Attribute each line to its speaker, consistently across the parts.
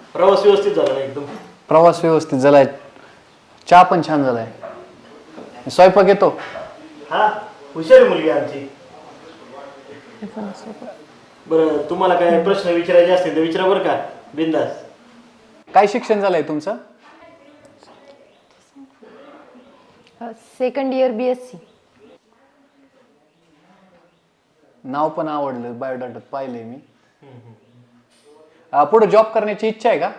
Speaker 1: प्रवास व्यवस्थित झाला ना एकदम?
Speaker 2: प्रवास व्यवस्थित झालाय, चहा पण छान झालाय, स्वयंपाक येतो.
Speaker 1: हा, हुशार आहे मुलगी आमची. बरं, तुम्हाला काय प्रश्न विचारायचे असतील तर विचारा बरं का, बिंदास.
Speaker 2: काय शिक्षण झालंय तुमचं?
Speaker 3: Second year BSc.
Speaker 2: नाव पण आवडलं, बायोडाटात पाहिलंय मी. पुढे जॉब करण्याची इच्छा आहे का?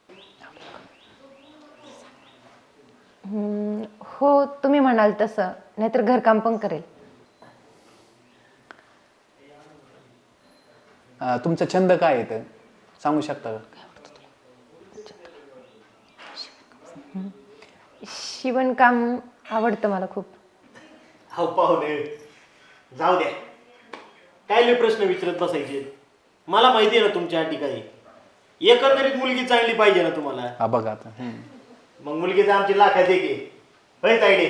Speaker 3: हो, तुम्ही म्हणाल तसं, नाहीतर घरकाम पण करेल.
Speaker 2: तुमचा छंद काय आहे ते सांगू शकता का?
Speaker 3: शिवणकाम आवडतं मला खूप.
Speaker 1: हो पाहुणे, जाऊ द्या, काय लय प्रश्न विचारत बसायचे. मला माहिती आहे ना तुमच्या अटी काही. एकंदरीत मुलगी चांगली पाहिजे ना तुम्हाला.
Speaker 2: हा बघा आता.
Speaker 1: मग मुलगी तर आमची लाखात एक आहे, होय तायडे?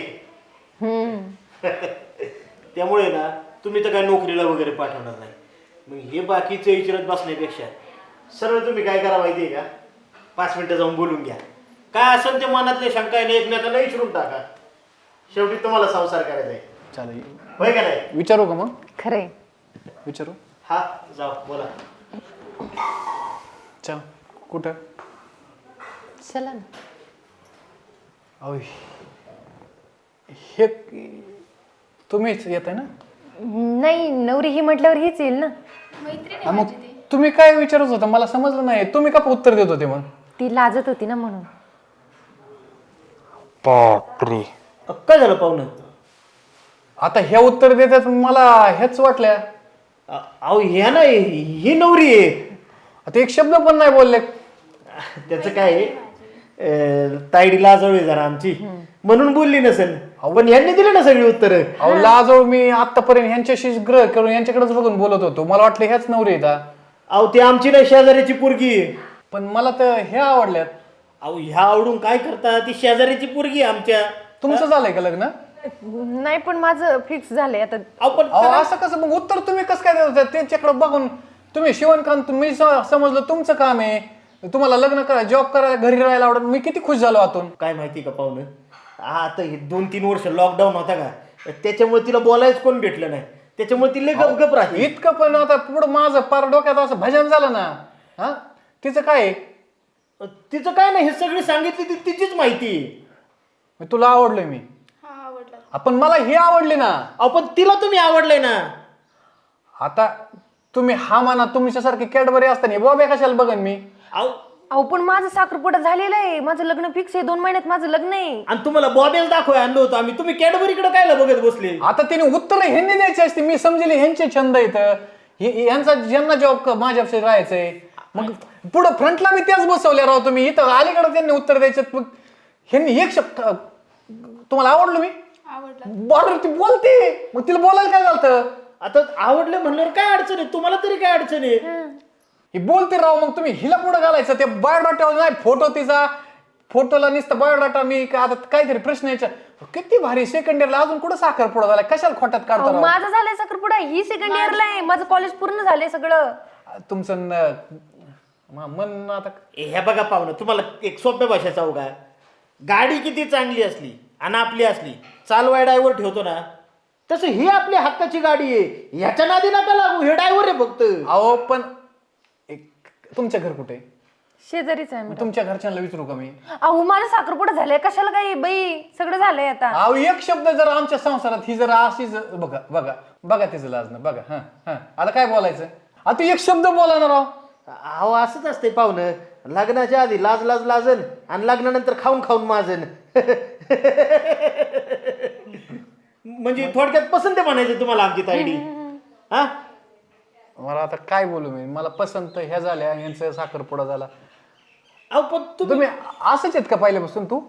Speaker 1: त्यामुळे ना तुम्ही तर काय नोकरीला वगैरे पाठवणार नाही. मग हे बाकीचं विचारत बसण्यापेक्षा सरळ तुम्ही काय करा माहिती आहे का, 5 मिनिटं जाऊन बोलून घ्या. काय असेल ते मनातले शंका आहे एकमेकांना विचारून टाका. शेवटी तुम्हाला संसार करायचा आहे,
Speaker 2: चालेल,
Speaker 1: होय का नाही?
Speaker 2: विचारू का मग?
Speaker 3: खरंय.
Speaker 2: विचारू.
Speaker 1: हा, जाऊ बोला.
Speaker 2: चल, कुठं?
Speaker 3: चला ना.
Speaker 2: अहो, हे तुम्हीच येत आहे ना?
Speaker 3: नाही, नवरी ही म्हटल्यावर हीच येईल ना.
Speaker 2: हा, मग तुम्ही काय विचारत होता मला समजलं नाही. तुम्ही का उत्तर देत होते मग?
Speaker 3: ती लाजत होती ना म्हणून.
Speaker 2: बापरे,
Speaker 1: काय झालं पाहुणं?
Speaker 2: आता हे उत्तर देतात मला हेच वाटल्या.
Speaker 1: अहो ह्या नाही, ही नवरी आहे.
Speaker 2: आता एक शब्द पण नाही बोलले.
Speaker 1: त्याचं काय आहे, तायडी लाजवली जरा आमची म्हणून बोलली नसेल. पण यांनी दिले ना सगळी उत्तर.
Speaker 2: अहो लाजो, मी आतापर्यंत ह्यांच्याशी ग्रह करून यांच्याकडेच बघून बोलत होतो. मला वाटलं ह्याच नवरी येतात.
Speaker 1: अहो ती आमची नाही, शेजाऱ्याची पोरगी आहे.
Speaker 2: पण मला तर हे आवडल्यात.
Speaker 1: अहो ह्या आवडून काय करता, ती शेजाऱ्याची पोरगी आहे आमच्या.
Speaker 2: तुमचं झालंय का लग्न?
Speaker 3: नाही, पण माझं फिक्स झालंय आता.
Speaker 1: आपण
Speaker 2: अहो असं कसं मग उत्तर तुम्ही कसं काय देत होता? त्यांच्याकडे बघून तुम्ही शिवणकाम, तुम्ही समजलं तुमचं काम आहे, तुम्हाला लग्न करा, जॉब करा, घरी राहायला आवडत. मी किती खुश झालो आतून.
Speaker 1: काय माहिती का पाहुणं, आता हे 2-3 वर्ष लॉकडाऊन होता का, त्याच्यामुळे तिला बोलायच कोण भेटलं नाही. त्याच्यामुळे ती लय गपगप राहते.
Speaker 2: इतकं पण आता पुढं माझं पार डोक्यात असं भजन झालं ना. हा, तिचं काय आहे?
Speaker 1: तिचं काय नाही, हे सगळी सांगितली ती तिचीच माहिती आहे.
Speaker 2: मी तुला आवडलोय मी. आपण मला हे आवडले ना.
Speaker 1: अहो पण तिला तुम्ही आवडले ना.
Speaker 2: आता तुम्ही हा माना, तुमच्यासारखे कॅडबरी असताना बॉबे कशाला बघन मी.
Speaker 3: अहो पण माझं साखरपुडा झालेलं आहे, माझं लग्न फिक्स आहे, 2 महिन्यात माझं लग्न आहे.
Speaker 1: आणि तुम्हाला बॉबेल दाखवाय आणलं होतं आम्ही, तुम्ही कॅडबरीकडे कायला बघत बसले?
Speaker 2: आता तिने उत्तर ह्यांनी द्यायची असते. मी समजेल ह्यांचे छंद येतं, यांचा ज्यांना जॉब माझ्यापेक्षा राहायचंय. मग पुढं फ्रंटला मी त्याच बसवल्या राहतो. तुम्ही इथं अलीकडे त्यांनी उत्तर द्यायचं. मग ह्यांनी एक शब्द, तुम्हाला आवडलं मी बॉर्डर, ती बोलते, मग तिला बोलायला काय झालं?
Speaker 1: आता आवडलं म्हणल्यावर काय अडचण आहे, तुम्हाला तरी काय अडचण आहे?
Speaker 2: ही बोलते राव, मग तुम्ही हिला पुढे घालायचं. ते बायोडाटा नाही, फोटो तिचा, फोटोला नुसतं बायोडाटा. मी आता काहीतरी प्रश्न यायचा, किती भारी सेकंड इयरला अजून कुठं साखरपुडा झाला, कशाला खोट्यात काढतो?
Speaker 3: माझं झालंय साखरपुडा, ही सेकंड इयरला आहे, माझं कॉलेज पूर्ण झालंय सगळं.
Speaker 2: तुमचं मन आता.
Speaker 1: हे बघा पाहुणं, तुम्हाला एक सोप्या भाषा सांगू का, गाडी किती चांगली असली आणि आपली असली, चालवाय ड्रायव्हर ठेवतो ना, तसं ही आपली हक्काची गाडी आहे. ह्याच्या नादी नका लागू, हे ड्रायव्हर आहे फक्त.
Speaker 2: अहो पण तुमचं घर कुठे?
Speaker 3: शेजारीच आहे.
Speaker 2: तुमच्या घरच्यांना विचारू का मी?
Speaker 3: अहो माझं साखरपुडा झालंय, कशाला काही बाई, सगळं झालंय आता.
Speaker 2: अहो एक शब्द जर आमच्या संसारात ही जर अशीच, बघा बघा बघा तिचं लाजणं बघा. हा हा, आता काय बोलायचं? आता एक शब्द बोला ना राव.
Speaker 1: अहो असंच असतंय पाहुणं, लग्नाच्या आधी लाज लाज लाजन आणि लग्नानंतर खाऊन खाऊन माजन. म्हणजे थोडक्यात पसंत म्हणायचं तुम्हाला आमची तायडी. हा,
Speaker 2: मला आता काय बोलू मी? मला पसंत ह्या झाल्या, यांचा साखरपुडा झाला.
Speaker 1: अहो पण
Speaker 2: तुम्ही असंच आहेत का पहिल्यापासून? तू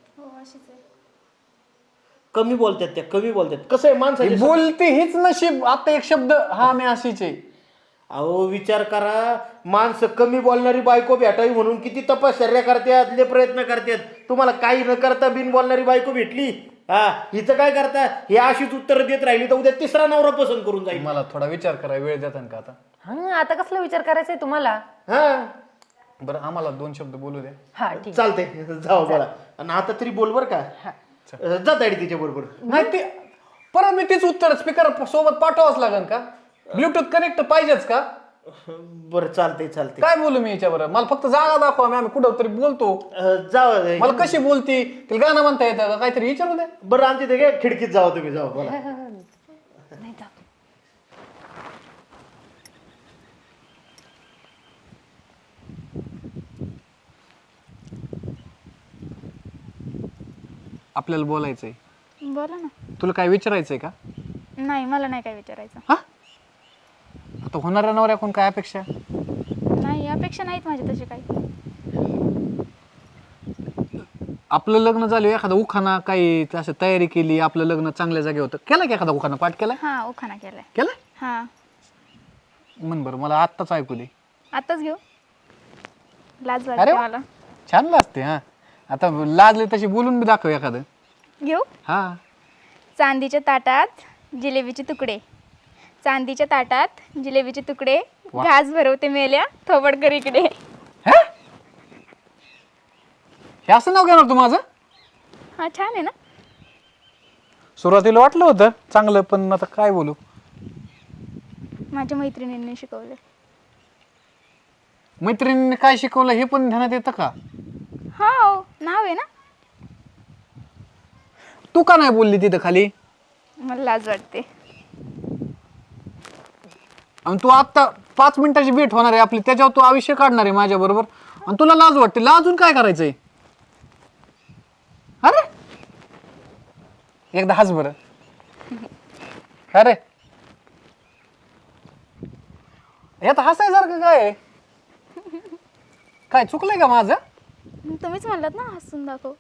Speaker 1: कमी बोलतात, त्या कमी बोलतात. कसं आहे माणसाची
Speaker 2: बोलते हीच नशीब. आता एक शब्द, हा मी अशीच आहे.
Speaker 1: अहो विचार करा, माणसं कमी बोलणारी बायको भेटावी म्हणून किती तपश्चर्या करतात, लय प्रयत्न करतात. तुम्हाला काही न करता बिन बोलणारी बायको भेटली. हा, हिचं काय करता, हे अशीच उत्तर देत राहिली तर उद्या तिसरा नवरा पसंत करून जाईल.
Speaker 2: मला थोडा विचार करायला वेळ देतात का आता?
Speaker 3: हा, आता कसला विचार करायचा आहे तुम्हाला?
Speaker 1: हा,
Speaker 2: बरं आम्हाला 2 शब्द बोलू द्या.
Speaker 3: हा ठीक.
Speaker 1: चालते जाऊ बोला. आणि आता तरी बोल बर का. जा ताडी तिच्या बरोबर.
Speaker 2: नाही ते परत मी तेच उत्तर स्पीकर सोबत पाठवावंच लागेल का? ब्लूटूथ कनेक्ट पाहिजेच का?
Speaker 1: बरं चालते.
Speaker 2: काय बोलू मी याच्याबरोबर? मला फक्त जागा दाखवा, आम्ही कुठं तरी बोलतो.
Speaker 1: जा.
Speaker 2: मला कशी बोलती तिला गाणं म्हणता येतं का काहीतरी विचारू द्या.
Speaker 1: बरं आमच्या इथे खिडकीत जावा तुम्ही. जाऊ बोला.
Speaker 3: नाही जाऊ.
Speaker 2: आपल्याला बोलायचंय.
Speaker 4: बोला ना.
Speaker 2: तुला काय विचारायचंय का?
Speaker 4: नाही, मला नाही काय विचारायचं.
Speaker 2: हा आता होणाऱ्या नवऱ्याकडून काय अपेक्षा?
Speaker 4: नाही, अपेक्षा नाहीत माझी तशी काही.
Speaker 2: आपलं लग्न झालं एखादा उखाणा काही असं तयारी केली, आपलं लग्न चांगल्या जागे होतं, केला की एखादा उखाणा पाठ केला?
Speaker 4: हा, उखाणा केलाय.
Speaker 2: केला
Speaker 4: हा,
Speaker 2: म्हण बरं, मला आत्ताच ऐकू दे.
Speaker 4: आताच घेऊ. लाज
Speaker 2: अरे
Speaker 4: वाटते
Speaker 2: वा.
Speaker 4: मला.
Speaker 2: छान लाजते. हा आता लाजले तशी बोलून बी दाखव एखादं.
Speaker 4: घेऊ.
Speaker 2: हा
Speaker 4: चांदीच्या ताटात जिलेबीचे तुकडे, चांदीच्या ताटात जिलेबीचे तुकडे,
Speaker 2: वा.
Speaker 4: घास भरवते मेल्या थोबड कर इकडे.
Speaker 2: हे असं नाव घेणार तू माझं?
Speaker 4: हा, छान आहे ना.
Speaker 2: सुरुवातीला वाटलं होतं चांगलं, पण आता काय बोलू.
Speaker 4: माझ्या मैत्रिणींनी शिकवले.
Speaker 2: मैत्रिणीने काय शिकवलं हे पण ध्यानात येतं का?
Speaker 4: हो, नाव आहे ना.
Speaker 2: तू का नाही बोलली तिथं खाली?
Speaker 4: मला लाज वाटते.
Speaker 2: आणि तू आत्ता 5 मिनिटाची भेट होणार आहे आपली, त्याच्यावर तू आयुष्य काढणार आहे माझ्या बरोबर, आणि तुला लाज वाटते. लाजून काय करायचंय? अरे एकदा हस बरं. अरे यात हसायसारखं काय आहे? काय चुकलंय का माझं?
Speaker 4: तुम्हीच म्हणलात ना हसून दाखव.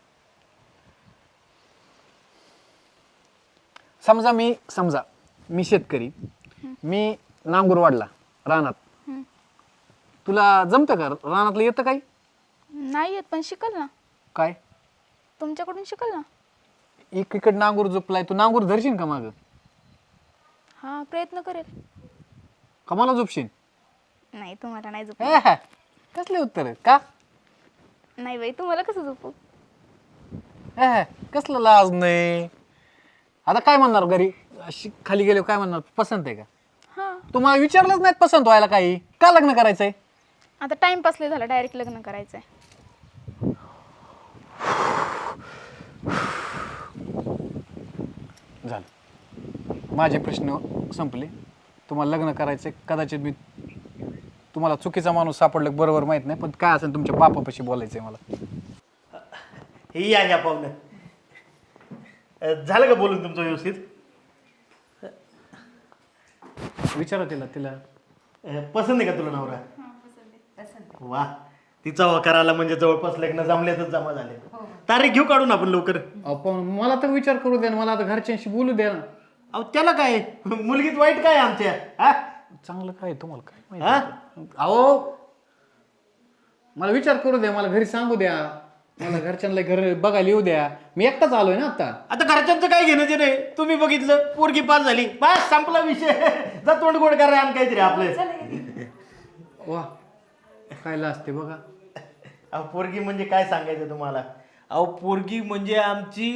Speaker 2: समजा मी शेतकरी, मी नांगूर वाढला रानात. तुला जमतं का? रानातलं येतं काही?
Speaker 4: नाही येत, पण शिकल ना.
Speaker 2: काय
Speaker 4: तुमच्याकडून शिकल ना.
Speaker 2: इकडे नांगूर झोपलाय, तू नांगूर धरशील का माग?
Speaker 4: हा, प्रयत्न करेल.
Speaker 2: का मला झोपशील?
Speaker 4: नाही, तुम्हाला नाही झोप.
Speaker 2: कसले उत्तर का?
Speaker 4: नाही बाई, तुम्हाला कसं झोपू.
Speaker 2: कसलं लाज नाही. आता काय म्हणणार घरी अशी खाली गेले, काय म्हणणार? पसंत आहे का?
Speaker 4: हा,
Speaker 2: तुम्हाला विचारलंच नाही पसंत व्हायला काही? का लग्न करायचंय?
Speaker 4: आता टाइमपास लय झाला, डायरेक्ट लग्न करायचंय.
Speaker 2: झालं, माझे प्रश्न संपले. तुम्हाला लग्न करायचंय, कदाचित मी तुम्हाला चुकीचा माणूस सापडलं बरोबर माहित नाही, पण काय असेल तुमच्या बापापाशी बोलायचंय मला.
Speaker 1: हे या पाहुणं. झालं का बोलून तुमचं व्यवस्थित?
Speaker 2: विचारा तिला
Speaker 1: पसंत आहे का तुला नवरा? वा, तिचा करायला म्हणजे जवळपास लग्न जमल्यातच जमा झाले. तारीख घेऊ काढून आपण लवकर.
Speaker 2: पण मला तर विचार करू द्या ना, मला आता घरच्यांशी बोलू द्या ना.
Speaker 1: अहो त्याला काय, मुलगीत वाईट काय आमच्या? हा
Speaker 2: चांगलं काय तुम्हाला काय
Speaker 1: हा?
Speaker 2: माहिती? अहो मला विचार करू द्या, मला घरी सांगू द्या, मला घरच्यांना घर बघायला येऊ द्या. मी एकटाच आलोय ना आता.
Speaker 1: आता घरच्यांचं काय घेणं ते नाही. तुम्ही बघितलं पोरगी पास झाली, बस संपला विषय. जा तोंड गोड करा आणि काहीतरी आपलं.
Speaker 2: वा काय लाजते बघा.
Speaker 1: अहो पोरगी म्हणजे काय सांगायचं तुम्हाला. अहो पोरगी म्हणजे आमची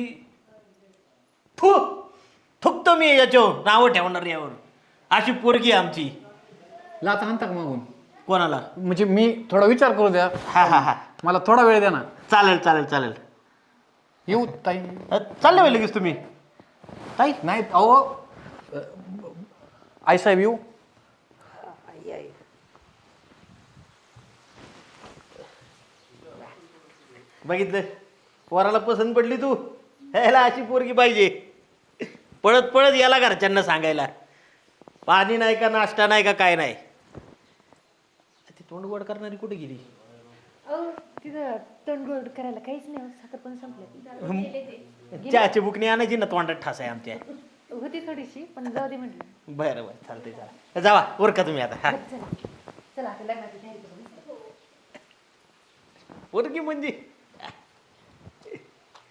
Speaker 1: थुकतो मी याच्यावर नावं ठेवणार यावर. अशी पोरगी आमची.
Speaker 2: लाता हाणता का मागून?
Speaker 1: कोणाला?
Speaker 2: म्हणजे मी थोडा विचार करू द्या.
Speaker 1: हा
Speaker 2: मला थोडा वेळ द्या ना.
Speaker 1: चालेल.
Speaker 2: येऊ ताई?
Speaker 1: चालले बाई लगेच तुम्ही? ताई
Speaker 2: नाही अहो आई साहेब येऊ.
Speaker 1: बघितलं, पोराला पसंत पडली तू. ह्याला अशी पोरगी पाहिजे. पळत याला घरच्यांना सांगायला. पाणी नाही का, नाश्ता नाही का, काय नाही. ती तोंड गोड करणारी कुठे गेली?
Speaker 3: तिथं तोंडगोड करायला काहीच नाही, साखर पण संपलं.
Speaker 1: चहाची बुकणी आणायची ना, तोंडात ठास आहे आमच्या.
Speaker 3: होती थोडीशी, पण जाऊ दे म्हटलं.
Speaker 1: बरं चालतंय. जावा वर का तुम्ही आता.
Speaker 3: चला आता लग्नाची तयारी करू.
Speaker 1: पोरगी म्हणजे